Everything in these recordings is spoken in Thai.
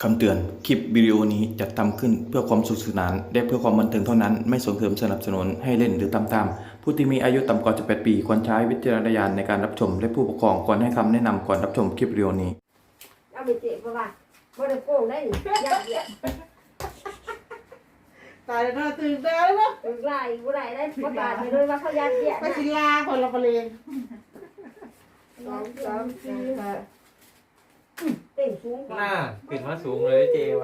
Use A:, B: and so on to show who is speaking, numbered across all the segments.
A: คำเตือน คลิปวิดีโอนี้จัดทำขึ้นเพื่อความสนุกสนานและเพื่อความบันเทิงเท่านั้น ไม่ส่งเสริมสนับสนุนให้เล่นหรือตามตามผู้ที่มีอายุต่ำกว่า18 ปีควรใช้วิจารณญาณในการรับชมและผู้ปกครองควรให้คำแนะนำก่อนรับชมคลิปวิดีโอนี้
B: เอาไปเจ็บเพราะว่าบ่ได้โกงได้นี่ยัดเยียด
C: ตายแล้วตื่นแล้วเนาะ
B: ถึงไล่บ่ได้ได้บ่ตายไปเลยว่าเขายัดเยียด
C: ไป
B: นะ
C: ศิลาคนละประเลง
B: สองสามสี่ห้าเต็งสูงก
D: ห
B: ว่า
D: น้าขึ้นมาสูงเลยเจไว้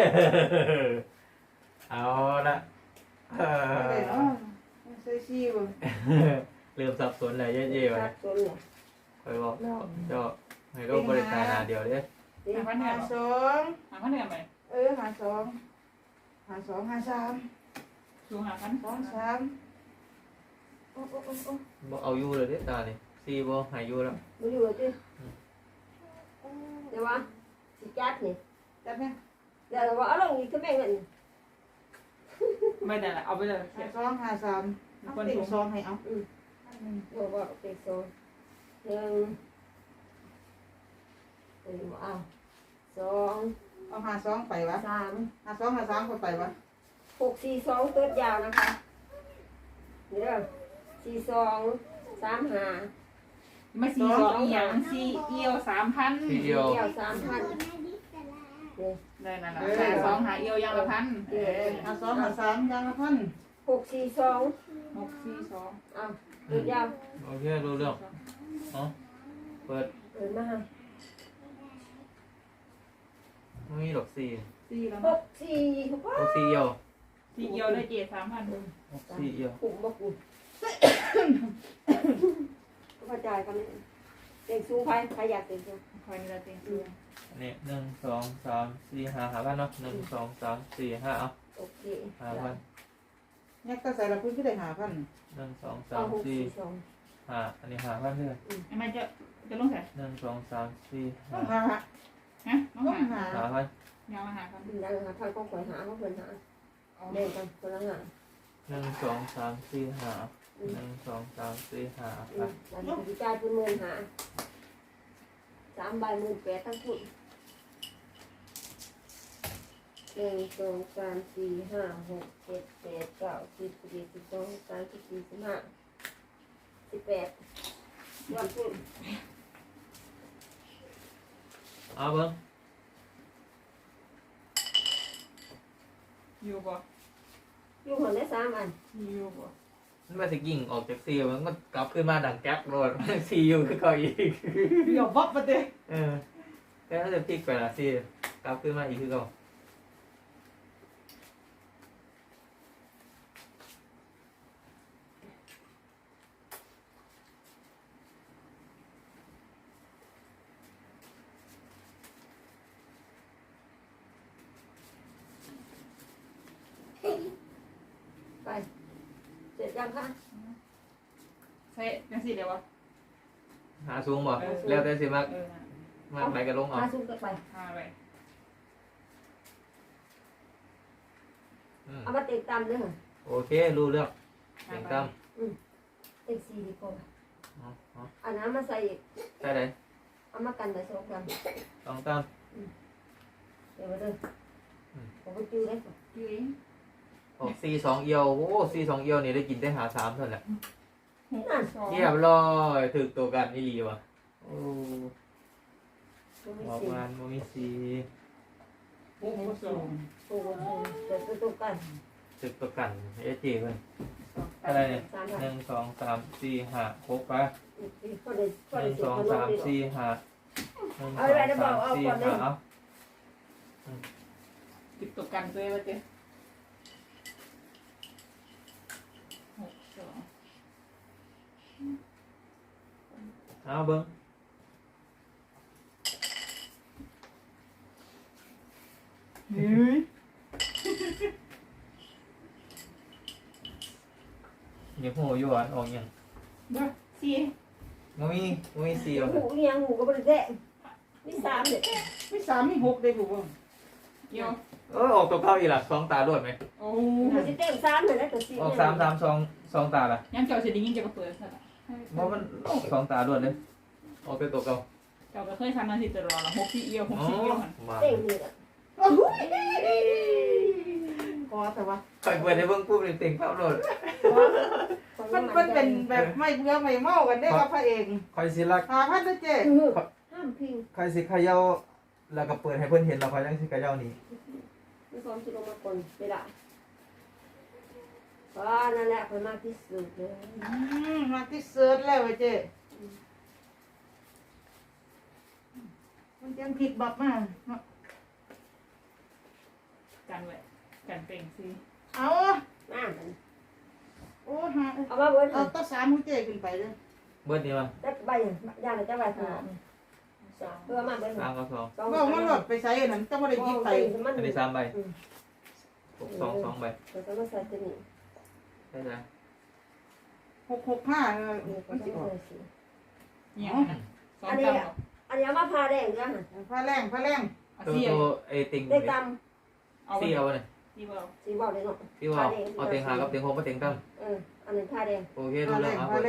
D: เอาละเอ
C: อะไร
D: อ
C: เนาะใส่ชีบ่
D: เริ่มสับสนเลยเจไว้
B: สับสนเนี่ย
D: คอยบอกเจ้าให้โรคบริการนาเดียวเด้
B: เต็ง
C: หาสอง
E: หาพันเหนือไหม
C: หาสองหาสองหาสาม
E: สูงหาพัน
C: สองสาม
B: โอ้โอ้โอ้โอ้
D: บอกเอาอยู่เลยเด้ตานี่ซีบ่หายอยู่แล้ว
B: บ่อยู่ติเดี๋ยวว่าสิจัดนี่
C: จับเนี่ย
B: เดี๋ยวว่าเอาลงอีกคือแม่งเงิน
E: ไม่ได้ละเอาไปเลย
C: หาสองหาสามเอาเต็งสองให้เอา
B: บ่ว่าเต็งสองหนึ่งเต็งบ่เอาสอง
C: เอาหาสองไปวะ
B: สาม
C: หาสองหาสามคนไปวะ
B: หกสี่สองตัวยาวนะคะนี่เด้อสี่สองสามห้า
E: ไม่สี่สองอีหยังสี่เอียว3,000
D: ทีเดียว
B: เดียว3,000นี่
E: ได้นั่นแหละหาสองหาเอียวยังละพัน
C: หาสองหาสามยังละพัน
B: หกสี่สอง
E: 642
B: เอาตัวยาว
D: โอเครู้เรื่องเนาะเปิด
B: เปิดมา
D: ไม่มีดอกซี
E: สี่แล้ว
B: ห
E: นะ
B: กสี่หก
D: ดอกซีเอียว
E: สี่เอียวได้เจ็ด3,000
D: ดอกซีเอียว
B: ปุ่มบ่ปุ่มก็กระจายกันนี่เต็งสูงใครอยากเต็งสูง
E: คอยนี่ละเต็งสูง
D: อันนี้1 2 3 4 5 5,000เนาะ1 2 3 4 5เอา
B: โอเค
D: 5,000
C: เนี่ยก็ใส่ละพื้นก็ได้หาพัน
D: 1 2
B: เอาหก
D: 3
B: สี่
D: 4
B: สอง
D: 5อันนี้5,000เด้อ
E: ไอ้มันจะลงใส่
D: 1 2 3 4
C: ต้องหา
D: 5
E: ฮะน้อง
C: ต้อง
E: หา
C: หา
D: 5,000
E: ยาวมาหาพัน
B: ดึงได้ค่ะท่านก็คอยหาเขาเพิ่นหาเล่นกันคนละหา
D: 1 2 3 4 5 1 2 3 4 5
B: แล้วนี่กระจายเป็นหมื่นหา3 ใบ18ทั้งคู่1 2 3 4 5 6 7 8 9 10 11 12 13 14 15 18วันพุ่น
D: เอาเบิ้ง
E: อยู่บ่
B: อยู่หัวได้3 อัน
E: อยู่บ่
D: มันมาสิกิ่งออกจากซีมันก็กลับขึ้นมาดังแก๊ปโรด ซีอยู่คือเขาอีก
C: เดี๋ยววับไปเด้
D: เออแต่ถ้าจะพลิกไปละซีกลับขึ้นมาอีกคือเขา
B: ไปเสร็จยังคะ
E: ใช่ยังสี่เดียววะ
D: หาสูงบ่แล้วแต่สิมาก
E: เออ
D: มากไหนก็ลงเอา
B: มาซุ่มกันไป
E: หาไป
D: อืม
B: เอามาเต็งตามเด้อ
D: โอเครู้เรื่องเสียงตั้ม
B: เต็ง4ดีกว่า
D: เอา
B: เอาน้ำมาใส่อีก
D: ใช่ไหม
B: เอามากันไป2 กัน
D: ต้องตั้ม
B: เดี๋ยวมาเด้อผมก็จื้อได้ก่อน
E: อยู่เอง
D: ออกซี2เอียวโอ้ซี2เอียวนี่ได้กินได้หา3เท่านั้นแหละ
E: 6
D: เรียบร้อยถึกตัวกันนี่ดีว่ะโอ้
B: มันไม่
D: ออก
B: สิ
D: มาโมมีซี
E: 2 6 2
B: โอ้โหเดี๋ยวไปตกกัน
D: ถึกตัวกันเอจีเพิ่นอะไรเนี่ย
B: 3
D: 1 2 3 4 5 6ไป
B: ก็ได้ก็
D: ห
B: ได้
D: นึ่ง
B: สิ
D: สองสามสี่ห้าหนึ่งส
B: เอา
D: อง
B: อะไรนะบอ
D: สาก ม
B: เอา
D: สี่
B: ก่อนเลย
D: ห้าเอา
E: ติดตกกันตัวว่าเจ๊6 2
D: เอาเบิ้ง
E: เฮ้ย
D: ยังหูอยู่อ่ะออกยัง
E: บ่สี่
D: โมมีสี่หรอก
B: หูเอียงหูก็บ่ได้แท้มี3เด้อ
C: ไม่สามไม่หกได้ผมว่า
E: เอียว
D: ออกตัวเข้าอีกล่ะสองตาด้วยไหม
E: โอ้
B: มันสิเต็ม3เลยนะตัว4
D: ออกสามสองตาล่ะ
E: ยังเจ้าสิได้ยินเจ้าก็เปิดซะละ
D: เพราะมันออกสองตาด้วยเลยออกเป็นตัวเก่า
E: เจ้าก็เคยทำมาสิตลอดละ6 4เอียว6 4เอียวหั่น
D: มา
B: เต็มนี่ล่ะ
C: โอ้พอแต่ว่า
D: คอยเปิดในเบื้องปุ๊บเลยเต็งภาพโหลด
C: มันเป็นแบบไม่เบื่อไม่เมากันได้กับพระเอก
D: คอยสิลัก
C: 5,000นะเจ๊
B: ห้ามพิง
D: คอยสิเขย่าแล้วก็เปิดให้เพื่อนเห็นเราคอยยังสิเขย่านี่
B: ไม่ซ้อมชิลงมาก่อนไม่ได้เพราะนั่นแหละคนมากที่สุดเลย
C: มาที่เซิร์ชแล้วเจ๊มันยังผิดบับมา
E: กันไว้กันเต็งสิ
C: เอา
B: น้ามัน
C: โอ้หา
B: เอามาเบิร์ด
C: เอาตาสามของเจ๊ขึ้นไปเลย
D: เบิร์ดนี่มา
B: ได้ใบย่างเลยจะใบขนาดเพื่อมาเบิร์ด
D: 3กับ2
C: ว่ามันหลดไปใส่อันนั้นจะไม่ได้ยิบไป
D: อันนี้3ใบ6 2 2ใบ
B: เราจะมาใส่ตัวนี้
D: ใช่ไหม
C: 665
B: นี่ก็
C: มัน
B: จะ
C: สิออก
B: ใส่สี
E: เนี่ยนะสองจำ
B: อันนี้มาพาแดงด้วยฮะ
C: ผ้าแรง
E: เอา
D: ตัว
E: เสีย
D: ไอ้ติง
B: ได้ต
E: เอา
D: ซี่เอาเลย
E: ที่เบา
B: ำสีบอกเลยเนาะ
D: ที่ว่าเอาเต็งหากับเต็งหกมาเต็งตั้ม
B: อันนี้พาแดง
D: โอเค
C: ผ้า
D: รู้
C: แร
D: เรื่อง
C: ง
D: เอา
C: ผ้า
D: เปิด
C: แรง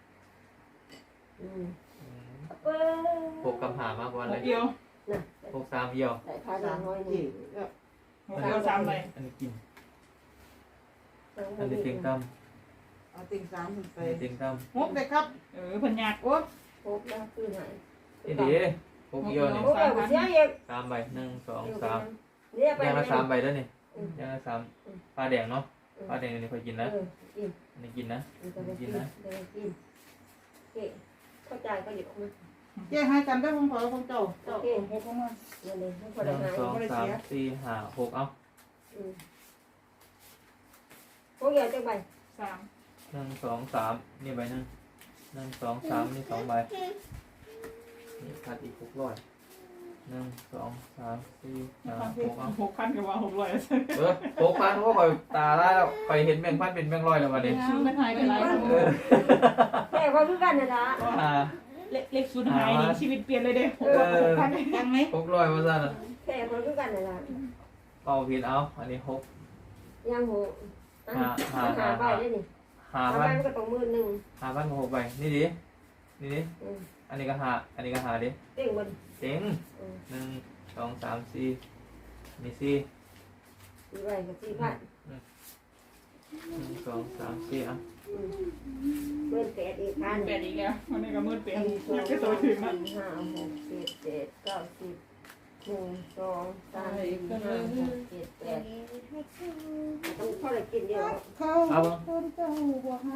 D: หกกำหามากกว่าเลย
E: เดียว
B: น่ะ
D: 6 3เอี่ยว
B: ได้พาแดงน้อย
C: จี
B: นี่
E: หกเดียวสามใบ
D: อันนี้กินอันนี้เต็งตั้ม
C: เอาติ่ง3ขึ้นไป
D: อันนี้เต็งตั้ม
C: 6เลยครับ
E: เพิ่นยาก
C: โอ้
B: พบแล้วคือหาย
D: นี่ดี6เอี่ยวนี่
B: โอ้ยเสียเอง
D: 3ใบ1 2 3
B: เนี่ยไป
D: ยังละ3ใบแล้วนี่ยังละ3ปลาแดงเนาะปลาแดงนี่ค่อยกินนะ
B: กิน
D: อันนี้กินนะ
B: กินนะกินเก๋เข้าใจก็หยิบออกมา
C: เจ๊ให้กันได้ผมขอของเจ้าเจ้า6เข้ามา
B: เงินเลยไม่พอ
D: 1
B: ได้หาย
D: 2 3 4 5 6เอา
B: พวกเกี่ยวจังใบ
E: สาม
D: 1 2 3นี่ใบนึง1 2 3นี่2ใบนี่ขาดอีก600 1 2 3 4 5 6เอา
E: 6,000กับว่า600
D: 6,000เพราะข่อยตาได้แล้วข่อยเห็นแบงค์พันเป็นแบงค์ร้อยแล้ววันนี้
E: ชื่อมันหายไปหลายคน
B: แค่ความรู้กันนะจ๊ะ
D: อ่า
E: เลขศูนย์หายนี่ชีวิตเปลี่ยนเลยเด้6,000
C: ยังไหม
D: 600ว่าซั่นน่ะ
B: แค่ความรู้กันนะจ๊ะ
D: เป่าผิดเอาอันนี้6
B: ยังหูหาใบได้นี่หาใบมันก็ต้องมือหนึ่ง
D: 5,000กับ6ใบนี่ดินี่ดิอันนี้ก็หาอันนี้ก็หาดิ
B: เต่งบน
D: เจ๋ง1 2 3 4นี่4
B: สี่ใบกับ4,000
D: 1 2 3 4อ่ะ
B: เมื่อแปดอีกพัน
E: แปดอีกแล้ววันนี้ก็มืดเป็น
B: 1 2
E: ยังไม่ตัวถึง
B: 3
E: นะ
B: 4 5 6 7 8 9 10 1 2 3 4 5 6 7 8ต้องเข้าเลยกินเดียว
C: เขาคนเจ้าบ่หา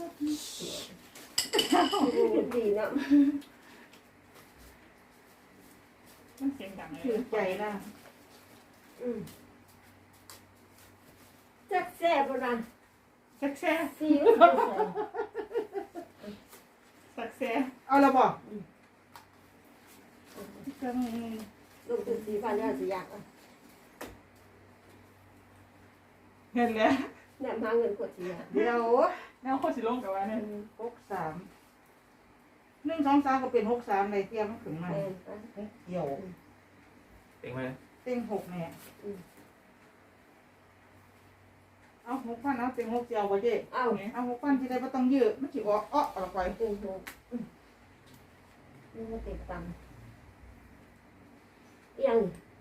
B: ดีเนาะ
E: มันเสียงดังเลย
C: ถือใจนะ
B: จักแซ่บบ่ล่ะ
E: สักแซ่
B: ซีอิ๊ว
E: สักแซ่
C: เอาละบ่จัง
B: ลูกถึง4,000แล้วสิอยาก
E: เห็นแล้ว
B: เนี่ยมาเงินกดสิอยาก
C: เดี๋ยว
E: แนวโคตรสิลงกับว่าเนี่ย
C: 63 1 2 3ก็เป็น63ในเตรียมมันขึ้นมา
B: แม่น
C: เกี่ยว
D: เจ๋งไหม
C: เต็ง6แน่เอา6,000เอาเต็ง6เจียวบ่เจ๊
B: เอ้า
C: เอา6,000ที่ได้บ่ต้องยืดมันสิออกออกไป
B: ตึงหูนี่มันติดตังยัง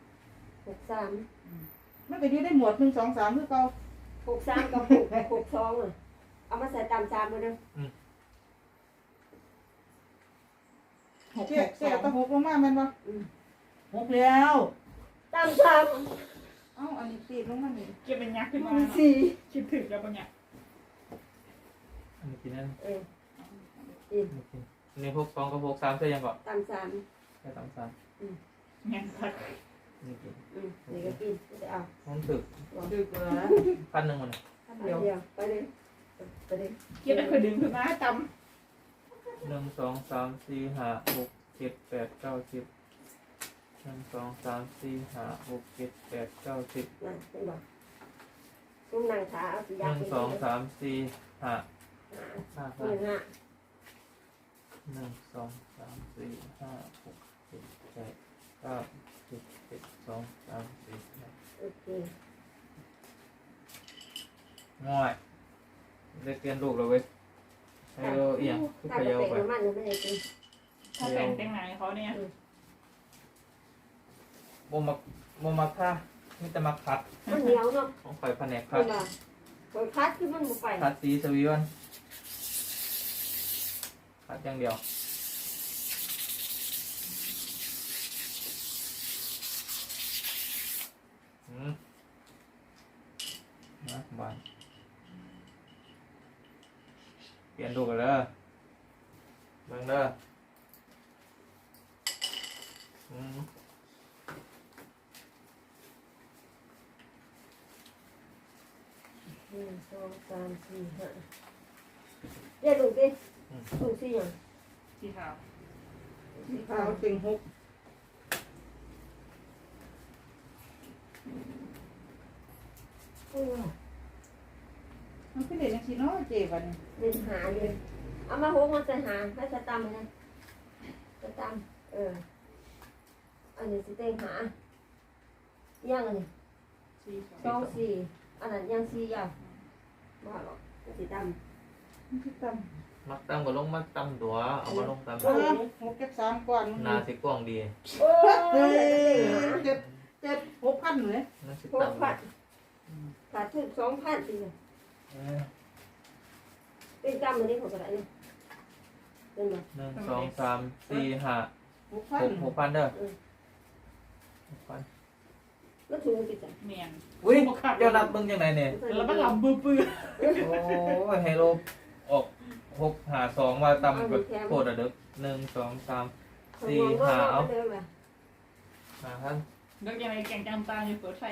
B: 63
C: มันก็ยืดได้หมวด1 2 3คือเก่า
B: 63กับ62อ่ะเอามาใส่ตาม3มื้อนึง
C: เจ๊เจ๊ตะ6ลงมาแม่นบ่6แล้ว
B: ตาม3
C: เอ้าอันนี้ตีลงมานี่
E: เก็บเป็นยักษ์ขึ้นมา
B: 4
E: คิดถึงแล้วปะเนี่ย
D: อันนี้กินนั่น
B: กิน
D: นี่กินอันนี้6 2กับ6 3ใช่ยังก่อน
B: ตาม3
D: แค่3
E: แง่สัก
D: 3นี่กิน
B: นี่ก็กินจะเอา
D: ผมถึก
C: ดึกเหรอ
D: 1,000มัน
B: เดี๋ยวไปเลยไปเลย
E: เก็บได้เคยดึงขึ้นมาจ
D: 1 2 3 4 5 6 7 8 9 10 1 2 3 4 5 6 7 8 9 10
B: นั่นเห็นบ่ซุ่มนางขาเอาสิยาก
D: 1 2 3 4 5 5
B: เงินห้า
D: 1 2 3 4 5 6 7 8 9 10 11 2 3 4 5
B: โอเค
D: ง่อยได้เปลี่ยนลูกแล้วเว้ยให้เราเอียงคือ
B: ถ้า
D: ข
B: จะ
D: ยาว
B: เตะ
D: ไป
B: น้ำมันไม่ได้กิน
E: ำถ้าแต่งแต่งไหนเขาเนี่ย
D: บ่มาค่ามีแต่มาคัด
B: มันเหนียวเนาะ
D: ของข่อยแผนกคั
B: เว
D: ด
B: ลาคอยคัดคือมันบ่ไป
D: คัดสีสวีวันคัดอย่างเดียวนะบานเปลี่ยนดูกันเลยเบิ่งเด้ออืม
B: 1 2 3 4 5เดี๋ยวดูดิดูสิหยัง
E: สีขาว
B: สี
C: ขา
B: ขาว
C: วเต็งหกมันคือเด็กนักชีเนาะเจ็บวันนี้
B: เป็นหาเลยเอามาโหกมันใส่หาให้จะตำนะจะตำอันนี้สิเต็งหาย่างอันนี้
E: สีขาว
B: สองสี่อันนั้นย่างสี่ยาวว่าหรอกสิตำ
C: มันคือต่
D: มักตำก็ลงมักตำตัวเอามาลงตำ
C: ำหกเก็บ3ก่อน
D: หนาสิกว้างดี
B: โอ้
C: เฮ้
B: ย
C: ยเจ็ด6,000เลย
D: นั่นสิ
B: หก
D: ตำ
B: พันขาดทุน2,000สิเนี่ย
D: เออ
B: เป็นกรรมอันนี้ของกระไรเนี่ยเป็นไหม
D: หนึ่งสองสามสี่ห้าหก
C: 6,000
D: 6,000เด้อ6,000
B: แล้วถูกกี่จัง
E: เมียน
D: อุ้ยเจ้านับเบิ่งยังไงเนี่ย
E: แล้วมันลำปื้อ
D: โอ้ยไฮโลออก6 5 2มาตำกับโคตรอะเด้อ1 2 3 4 5เอา5,000
E: ๆแล้วยังไงแกงจำตาอยู่เปิดไฟ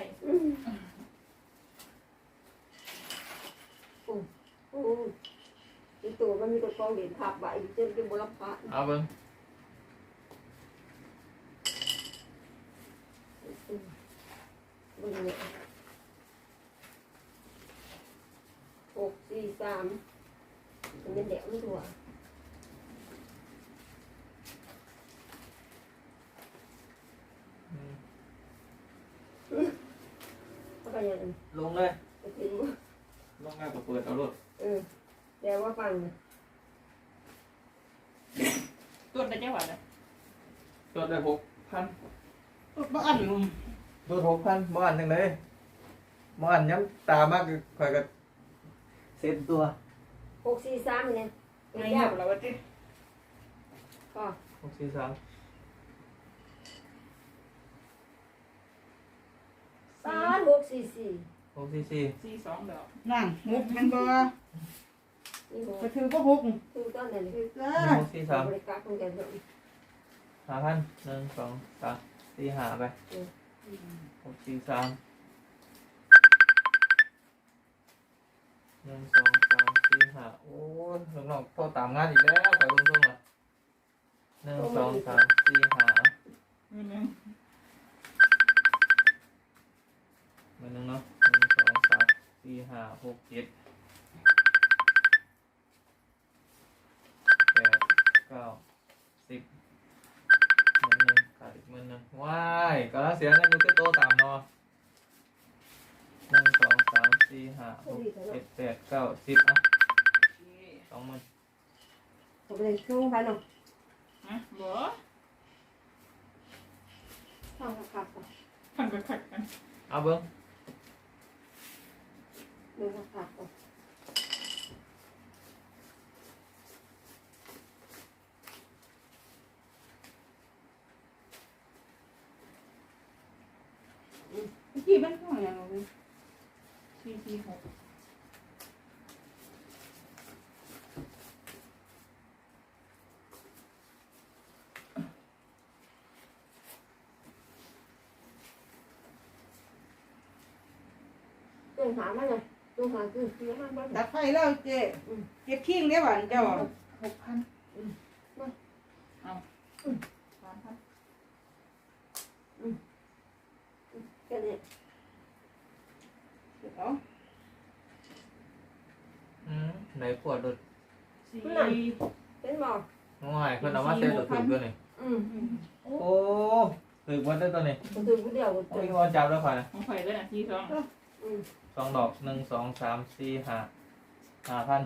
B: โอ้ยตัวมันมีตัวกองเด่นขับใบจนเป็นบุรพา
D: เอาเบิ่ง
B: บนเนี่ย6 4 3มันเป็นเด็กไม่ถั่วเขาไปยังไง
D: ลงเลย
B: ไปถึง
D: ลงง่ายกว่าเปิดเอารถ
B: แต่ว่าฟังนะ
E: ตัวได้เจ้าหวัดเลย
D: จดได้6,000
C: บ่อัน
D: โดน6,000บ่อันจังได๋บ่อันย้ำตามากข่อยก็เซ็ตตัว
B: 6 4 3เนี่ย
E: ไง
B: ยา
E: เหี่ย
B: ก
E: วเราว่าจิ
B: ก็
D: 643
B: 3 6 4 4
D: 644
E: สี2เดียว
C: นั่งหกมันบ่
B: นี่หก
C: ก็ถือบ่หก
B: คือตอนไหนนี่
C: จ้า
D: 643
B: บริการของแกเถอะ
D: 5,000 1 2 3 4 5ไป643 1 2 3 4 5โอ้ยน้องๆโทรตามงานอีกแล้วไปเบิ่งๆอ่ะ1 2 3 4 5
E: มือนึง
D: มือหนึ่งเนาะ1 2 3 4 5 6 7 8 9 10มือหนึ่งขาดอีกมือหนึ่งว้ายกำลังเสียเงินอยู่ที่โต๊ะตามเนาะ1 2 3 4 5 6 7 8 9 10อ่ะ20,000
B: ผมเลยช่วงพันหนึ่ง
E: ฮะบ่
B: ทำขับ
E: ขันก็ขัดกัน
D: เอาเบิ้ง
B: ดูขับ
C: เมื่อกี้มันของอย่างไร
E: 446
B: จงหามาเลยจงหาคือคือมากบ้าง
C: ดับไฟแล้วเจ๊เก็บขิงได้หวานเจ้า6,000
E: 3,000
B: แค่นี้
C: เอา
D: ไหนขวดดุด
B: เป็นหมอ
D: ง่ายเพิ่นเอามาเซ็ตตัวถูกด้วยนี่โอ้ถือวันได้ตัวนี้
B: ผมถือผู้เดียว
D: โอ้ยงอจับแล้วค่ะ
E: ของข่อยด้วยนะ42
D: 2 ดอก 1 2 3 4 5 5,000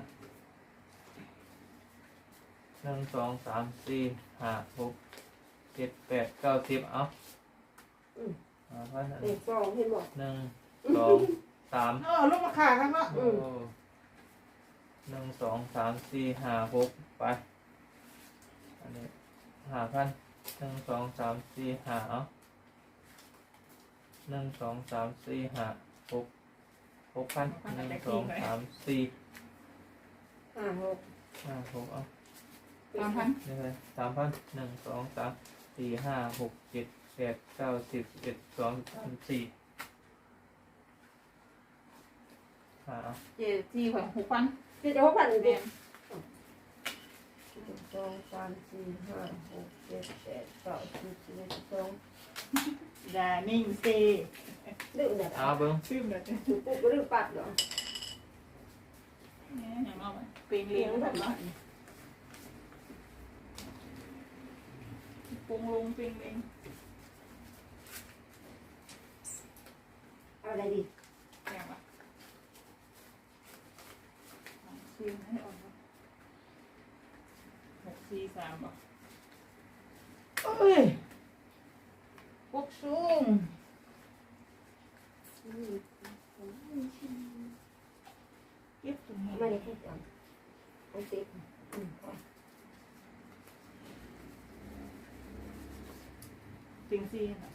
D: 1 2 3 4 5 6 7 8 9 10เอา 5,000
B: เต็งสองเห็นบ่
D: หนึ่งสองสาม
C: ลงมาขาครับเนาะ
D: โอ้หนึ่งสองสามสี่ห้าหกไปอันนี้5,000หนึ่งสองสามสี่ห้าเอาหนึ่งสองสามสี่ห้าหก6,000หนึ่งสองสามสี่
B: ห้าหก
D: ห้าหกเอา
E: 3,000
D: นี่เลย3,000หนึ่งสองสามสี่ห้าหกเจ็ดแปดเก้าสิบ11 12 13 14เอา
E: เจ็ดสี่ของ6,000
B: คือจะ6,000อีก
E: แม่
B: หนึ่งสองสามสี่ห้าหกเจ็ดแปดเก้าสิบ11 12
E: อย่านิ่งสิ
B: ลืมเนี่ย
D: เอาเบิ้ง
E: ชื่อแบบนี้
B: ถูกปุ๊บก็ลืมปัดเหรอ
E: อย่างนอกเปลี่ยนเลี้ยงแบบนี้ปรุงลงเปลี่ยนเลี้ยง
B: เอาอะไรดี
E: อย่างวะซื้อให้ออก643บ่เอ้ยพวกสูงเก็บตรงนี้
B: ไม่ได้พูดจังเอาสิพอ
E: จริงสิค่ะ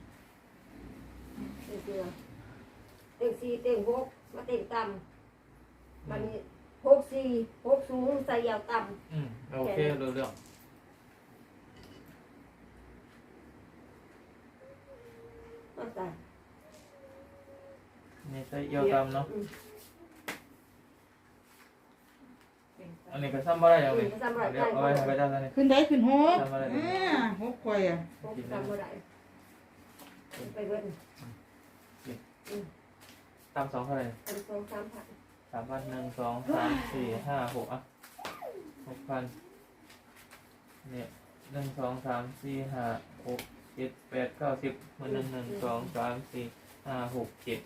B: เต็งเกลือเต็งสี่เต็งหกมาเต็งต่ำมันนี้หกสี่หกสูงใส่ยาวต่
D: โอเครู้เรื่อง
B: ำมาใส่
D: นี่ใช้เอี่ยวตำเนาะอันนี้ก็ซ้ำบ่ได้ยังไงเดี๋ยวเอาไว้ให้ไปได้แล้วนี่
C: ขึ้นได้ขึ้นหก
D: ทำอะไร
C: หกข่อยอ่ะ
B: หกต่ำเมื่อไหร่ไปเบิ้ล
D: ตำ2เท่าไหร่
B: อันสองสามพัน
D: 3,000 1 2 3 4 5 6อ่ะ6,000เนี่ย1 2 3 4 5 6 7 8 9 10มัน1 1 2 3 4 5 6 7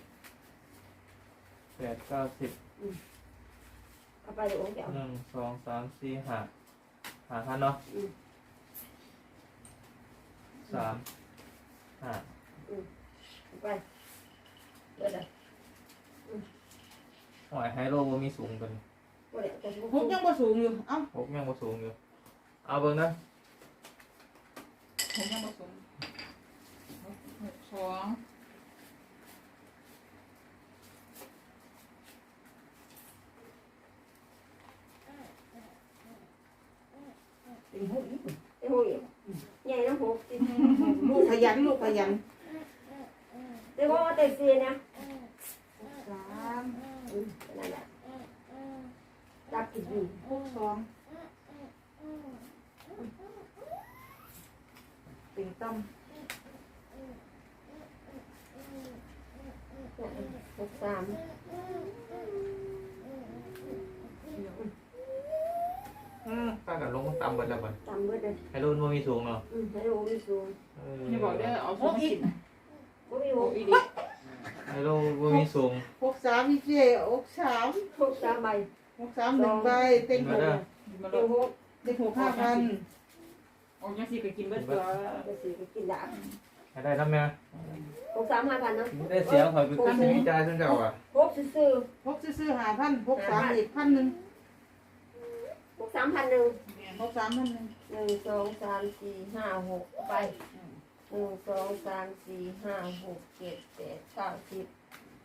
D: 8 9 10
B: เอาไปเดี๋ยวโอ้เดี๋ยว
D: 1 2 3 4 5 5,000เนาะ3 5
B: เอาไปเดี๋ยวเดี๋ยว
D: หอยไฮโลบ่มีสูงกัน
B: เดี๋ยวจะ
C: หกยังบ่สูงอยู่เอ้า
D: 6ยังบ่สูงอยู่เอาเบิ่งนะ
E: ผมยังผสม62
B: เต็งหกอีกเต็งหกอีกใหญ่น้ำหกติด
C: ลูกขยันลูกขยัน
B: เต็งหกมาเต็งสี่นะ
C: สาม
B: นั่นแหละจับกินดี
C: หกสองติ่งต้ม
B: หกสาม
D: ป้ากับลงต่ำเบิดแล้วบ่
B: ต่ำเบิดเลย
D: ไฮโลบ่มีสูงเนาะ
B: ให้ดูมีสูง
E: อย่าบอกเด้อเอาสูงกิน
B: บ่มี
E: โอ้
B: หก
E: อีดิ
D: ไฮโลบ่มีสูง
C: หกสามพี่เจ๊หกสาม
B: หกสามใบ
C: หกสามหนึ่งใบเต็งหก
E: มาล
B: เต็ง
E: ง
B: หก
C: เต็งหก5,000
E: ออกยังสิก็กินเบิดตัว
B: จะสี่ก็กินดาบ
D: ให้ได้ทำแม่
B: หกสาม5,000เนาะ
D: ได้เสียงข่อยเป็นสิมีใจซั่นเจ้าอ่ะ
B: หกซื่อ
C: หกซื้อ5,000หกสามอีก1,000
B: หกสามพันหนึ่ง
C: หกสาม1,000
B: หนึ่งสองสามสี่ห้าหกไปหนึ่งสองสามสี่ห้าหกเจ็ดแปดเก้าสิบ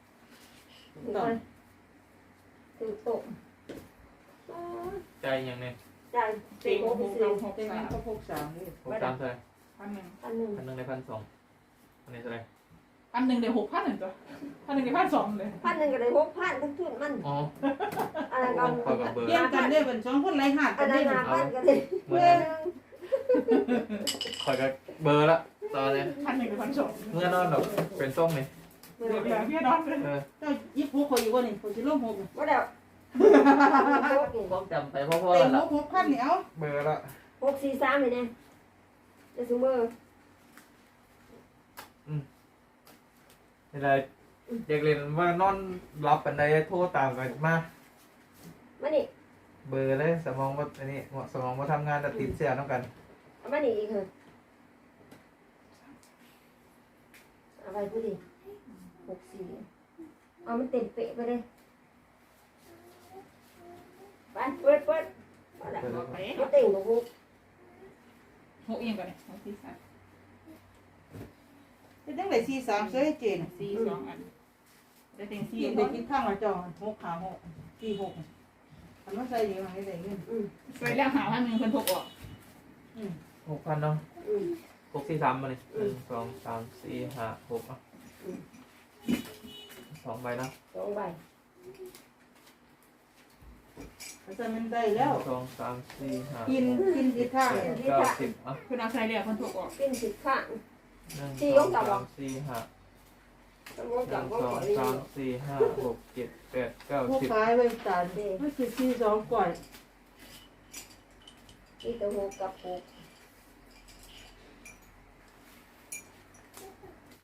B: ถึงโต๊ะ
D: ใจยังไง
B: จ่าย
E: เต็
B: เต็
E: ง
B: งหก
E: หก
B: สี่
E: หก
C: เต็ง
E: สาม
C: ก็หกสามนี่
D: 6 3เท่าไหร่
E: 1,000
B: พันหนึ่ง
D: 1,000ได้1,200อันนี้เท่าไหร่
E: 1,000เดี๋ยว6,000หนึ่งตัว1,000เดี๋ยว1,200เลย
B: พันหนึ่งก็ได้6,000ทั้งทุนมัน
D: อ๋อ
B: อะไรก็
D: ขอกับเบอร์
C: เรียนกันได้เป็น2คนไรหาด
B: อั
C: กัน น
B: นั้
C: ได้
B: น5,000ก็ได้
D: เมื่อนั้นขอยกับเบอร์ละตอนนี้
E: 1,000เดี๋ยว1,200
D: เมื่อนอนดอกเป็นส้มนี่
B: ไม่
E: เดี๋ยว
B: ได้
E: พี่นอนเลย
C: เจ้ายิบหกข่อยอยู่บ่นี่ข่อยสิลงหก
B: ไม่ได้
D: ต้องจำไปพ่อ
C: เต็ง
D: ๆละ
C: หก6,000นี่เอา
D: เบอร์ละ
B: 643เลยเนี่ยจะซูเมอร์
D: นี่ไรอยากเรียนว่านอนรับปันใดโทรตามกันมา
B: มานี่
D: เบอร์เลยสมองว่าอันนี้สมองว่าทำงานแต่ติดเสียน้ำกัน
B: เอามานี่อีกเหรอไปพูดดิ64เอามันเต็มเป๊ะไปเลยไปเปิดมาแล้ว
E: ไป
B: มาเต็งกับหก
E: หกเอียงก่อนเลยหกสี่สาม
C: เป็นจังได๋43เซ้ยเจน
E: สี่สองอันได้เต็งสี่
C: ที่ได้คิดข้างละจอ6ขา6 46อันว่าใส่ดีมาให้ได้เงิน
E: ไปแล้วหาว่า1คนหกออก
D: 6,000เนาะ
B: อืม
D: 643มาเลย1 2 3 4 5 6อ่ะ2ใบเนาะ
B: 2ใบ
C: อาจารย์มันได้แล้ว
D: 1 2 3 4 5
C: กินทิศทาง
D: 9 10อ่ะ
E: คุณเอาใส่แล้วคนหกออก
B: เป็นสิบข้าง
D: 1 2 3 4 5
B: สมมติ
D: 1
B: กับว่าขอ
D: 2
B: เรียน
D: 3 4 5 6 7 8
C: ผู้
D: 9 10
C: ขายไว้ตาดมันคือ42ก่อน
B: ที่ตะหกกับหก